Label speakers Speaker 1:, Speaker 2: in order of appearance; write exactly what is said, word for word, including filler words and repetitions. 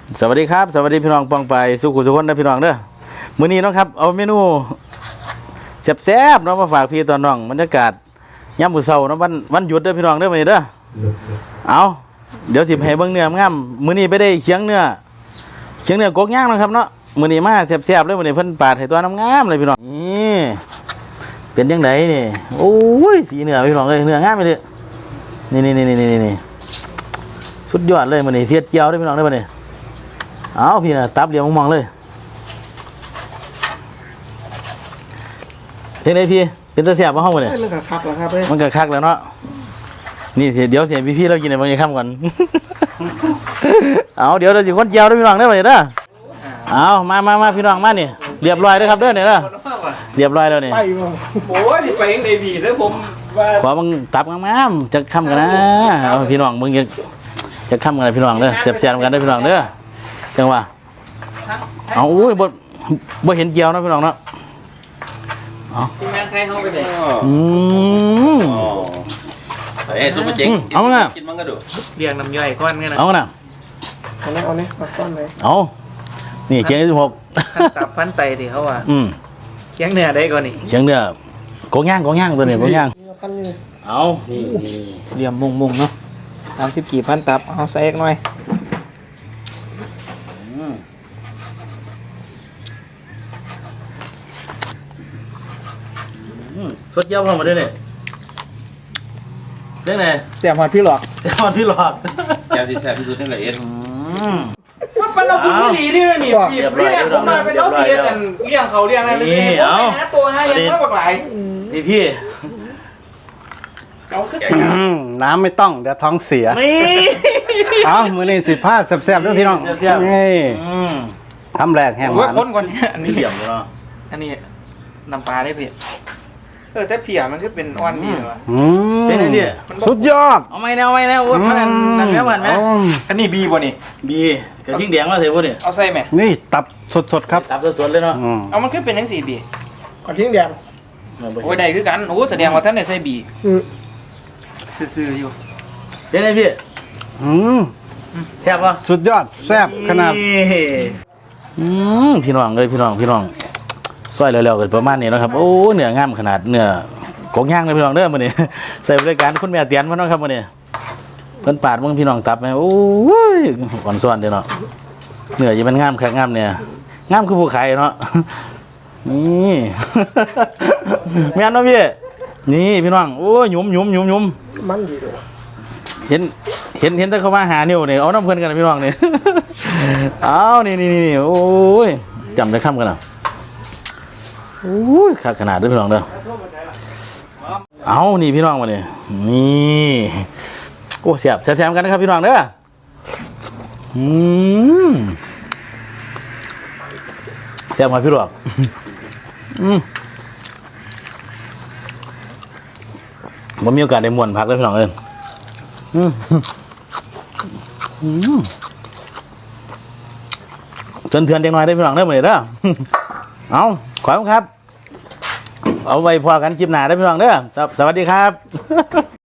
Speaker 1: สวัสดีครับสวัสดีพี่น้องปองไปสุขุสุขคนนะพี่น้องเด้อมื้อนี้เนาะครับเอาเมนูแซ่บๆเนาะมาฝากพี่ตอนน้องบรรยากาศยามมื้อเช้าเนาะวันวันหยุดเด้อพี่น้องเด้อมื้อนี้เด้อเอาเดี๋ยวสิให้เบิ่งเนื้องามมื้อนี้ไปได้เคียงเนื้อเคียงเนื้อกกย่างนะครับเนาะมื้อนี้มาแซ่บๆเลยมื้อนี้เพิ่นปาดให้ตัวงามๆเลยพี่น้องนี่เป็นจังไดนี่โอ้ยสีเนื้อพี่น้องเอ้ยเนื้องามไปเลยนี่ๆๆๆๆสุดยอดเลยมื้อนี้เสียดเจียวเด้อพี่น้องเด้อมื้อนี้เอาพี่นะตับเดียวมองๆเลยเห็นไหมพี่เป็นตะเสียบมาห้องมาเนี่ย
Speaker 2: มันก็คักแล้วครับเพื่อน
Speaker 1: มันก็คักแล้วเนาะนี่เสียเดี๋ยวเสียพี่พี่เรากินในบางอย่างค่ำก่อน เอาเดี๋ยวเราจะคนเจียวด้วยพี่น้องได้ไหมเด้อเอามามามาพี่น้องมาเนี่ยเรียบร้อยแล้วครับเด้อเนี่ยเด้อเรียบร้อยแล้วเนี่ย
Speaker 2: ไปบ่
Speaker 3: โอ้ยไปเองในบีแล้วผมว่า
Speaker 1: ขอมึงตับงามๆจะค่ำกันนะเอาพี่น้องมึงจะจะค่ำกันนะพี่น้องเด้อเสียบเสียบกันได้พี่น้องเด้อจังหวะเอาอุ้ยบ่บ่เห็นเจียวนะพี่น้องเนาะ
Speaker 3: ทีมงานใครเข้าไปไหน
Speaker 1: อืม
Speaker 4: เอ้ซุปเปอร์เจ๊ง
Speaker 1: เอาไง
Speaker 4: กินมันก็ดู
Speaker 3: เรียงน้ำย่อยก้อนกันนะ
Speaker 1: เอาไง
Speaker 2: เอาเนี่ยเอาเนี่ยมาต้อนเลย
Speaker 1: เอานี่เคียงที่สิบหก
Speaker 3: พันตับพันไตที่เขาว่า
Speaker 1: อืม
Speaker 3: เคียงเนื้อได้ก่อนนี่
Speaker 1: เคียงเนื้อโกย่างโกย่างตัวนี้โกย่าง
Speaker 2: พันเลย
Speaker 1: เอานี่
Speaker 3: เรียมมุงมุงเนาะสามสิบกี่พันตับเอาใส่หน่อย
Speaker 1: สดเยี่ยมเข้ามาด้วยเนี่ยเรื่องไหน
Speaker 3: เสียบหอดพี่หลอก
Speaker 1: เสียบหอดพี่หลอก
Speaker 4: แก้วที่แซ่บที่สุดนี่แหละเอ็ด
Speaker 3: ว่าเป็นเราพูดที่หลีนี่เลยนี่พี่พี่เนี่ยผมมาเป็นเล้าเสียกันเลี้ยงเขาเลี้ยงอะไรนี่เอาหาตัวให้ยังมากกว่าหลาย
Speaker 1: พี่พี่
Speaker 3: เขาคือเสีย
Speaker 5: น้ำไม่ต้องเดี๋ยวท้องเสีย
Speaker 1: นี่
Speaker 5: เอามือนี่สิผ้าแซ่บๆด้วยพี่น้องนี่ทำแรกแห้งหวาน
Speaker 3: ว่าคนก่อนเนี่ยอันนี้
Speaker 1: เหลี่ยมเนาะ
Speaker 3: อันนี้น้ำปลาได้พี่เออแต่เพียมันก็เป็นอ่อนดีเลยวะ
Speaker 1: เป็นไงเนี่ย
Speaker 5: สุดยอด
Speaker 1: เอาไม่แนวไม่แนวว่ามันนั่นแล้วมันไหม
Speaker 3: อันนี้บีบ่นี่
Speaker 1: บีกระทิงแดงมาเถอะพวกเนี่ย
Speaker 3: เอาใส่ไหม
Speaker 5: นี่ตับสดๆครับ
Speaker 1: ตับสดๆเลยเนาะ
Speaker 3: เอามันก็เป็นทั้งสี่บี
Speaker 2: กระทิ้งแดง
Speaker 3: โอ้ยได้คือกันโอ้แสดงว่าท่านได้ใส่บีซื่อๆอยู่
Speaker 1: เป็นไงพี่
Speaker 5: อืม
Speaker 1: แซ่บปะ
Speaker 5: สุดยอดแซ่บขนาด
Speaker 1: อืมพี่น้องเลยพี่น้องพี่น้องซอยเร็วๆกันประมาณนี้นะครับโอ้เนื้องามขนาดเนื้อกงย่างเลยพี่น้องเด้อมื้อนี้ใส่บริการคุณแม่เตียนมาเนาะครับมื้อนี้เพิ่นปาดมึงพี่น้องตับไหมโอ้ยอ่อนซ้อนเด้อเนาะเนื้อยังมันงามคักงามเนี่ยงามคือผู้ขายเนาะนี่แม่นเนาะพี่นี่พี่น้องโอ้ยหยุ่มหยุ่มหยุ่มหยุ่ม
Speaker 2: มันดีด้วย
Speaker 1: เห็นเห็นเห็นแต่เขามาหานิ้วนี่เอาน้ำเพิ่นกันพี่น้องนี่เอานี่นี่นี่โอ้ยจำได้คำกันอ่ะโอ้ยขาดขนาดด้วยพี่น้องเด้อเอานี่พี่น้องมาเนี่ยนี่โอ้เสียบแซมๆกันนะครับพี่น้องเด้ออืมแซมมาพี่หลอกอืมผมมีโอกาสได้ม่วนพักเลยพี่น้องเอ้ยอืมอืมเถื่อนเถื่อนเด็กน้อยได้พี่น้องเด้อมาเลยเด้อเอาขอบคุณครับเอาไว้พอกันคลิปหน้าได้พี่น้องเด้อสวัสดีครับ